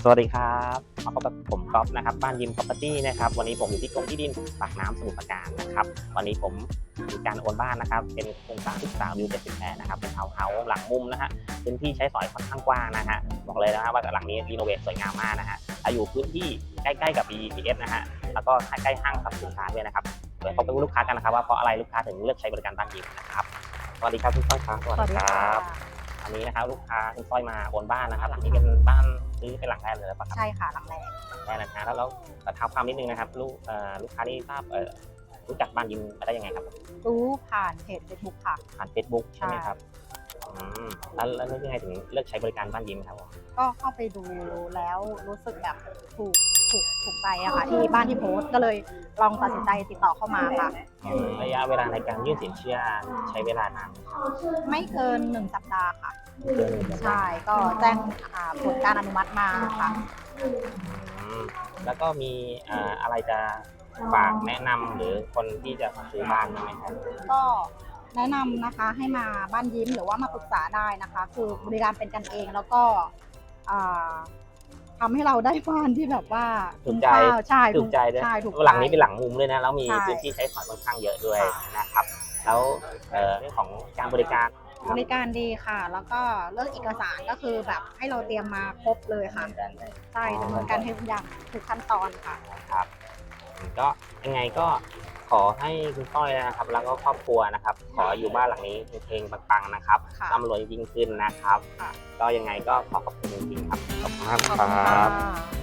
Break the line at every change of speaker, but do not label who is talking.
สวัสดีครับมาพบกับผมก๊อฟนะครับบ้านยิม Property นะครับวันนี้ผมอยู่ที่กรมที่ดินปากน้ำสมุทรปราการนะครับวันนี้ผมมีการโอนบ้านนะครับเป็นโครงสร้าง13วิว78นะครับเป็นทาวน์เฮาส์หลังมุมนะฮะพื้นที่ใช้สอยค่อนข้างกว้างนะฮะบอกเลยนะว่าหลังนี้รีโนเวทสวยงามมากนะฮะอยู่พื้นที่ใกล้ๆกับ BTS นะฮะแล้วก็ใกล้ห้างสรรพสินค้าด้วยนะครับเดี๋ยวพบกับลูกค้ากันนะครับว่าเพราะอะไรลูกค้าถึงเลือกใช้บริการบ้านยิมนะครับสวัสดีครับคุณต้อยครับสวัสดีครับอันนี้นะครับลูกค้าคุณต้อยมาโอนบ้านนะครับหลังนี้เป็นบ้านซื้อเป็นหลังแรกเลยหรือเปล่าครับ
ใช่ค่ะหลังแรก
ได้นะแล้วเท้าความนิดนึงนะครับลูกค้าที่ทราบรู้จักบ้านยิมมาได้ยังไงครับ
รู้ผ่านเพจ Facebook ค่ะ
ผ่าน Facebook ใช่ไหมครับแล้วนึกยังไงถึงเลือกใช้บริการบ้านยิมครับผม
ก็เข้าไปดูแล้วรู้สึกแบบถูกถูกใจอะค่ะที่บ้านที่โพสต์ก็เลยลองตัดสินใจติดต่อเข้ามาค่ะ
ระยะเวลาในการยื่นสินเชื่อใช้เวลานานไหมครับ
ไม่เกิน1 สัปดาห์ค่ะ
เดือนหนึ่ง
ใช่ก็แจ้งผลการอนุมัติมาค่ะ
แล้วก็มีอะไรจะฝากแนะนำหรือคนที่จะซื้อบ้านไหมครับ
ก็แนะนำนะคะให้มาบ้านยิ้มหรือว่ามาปรึกษาได้นะคะคือบริการเป็นกันเองแล้วก็ทำให้เราได้บ้านที่แบบว่า
ถูกใจ
ใช่
ถูกใจด้วยหลังนี้เป็นหลังมุมด้วยนะแล้วมีพื้นที่ใช้สอยค่อนข้างเยอะด้วยนะครับแล้วเรื่องของการบริการ
ดีค่ะแล้วก็เรื่องเอกสารก็คือแบบให้เราเตรียมมาครบเลยค่ะใช่ดำเนินการให้ทุกอย่างทุกขั้นตอนค่ะ
ครับก็ยังไงก็ขอให้คุณต้อยนะครับแล้วก็ครอบครัวนะครับขออยู่บ้านหลังนี้เฮงๆปังๆนะครับร่ำรวยยิ่งขึ้นนะครับก็ยังไงก็ขอขอบคุณจริงๆครับขอบคุณมากครับ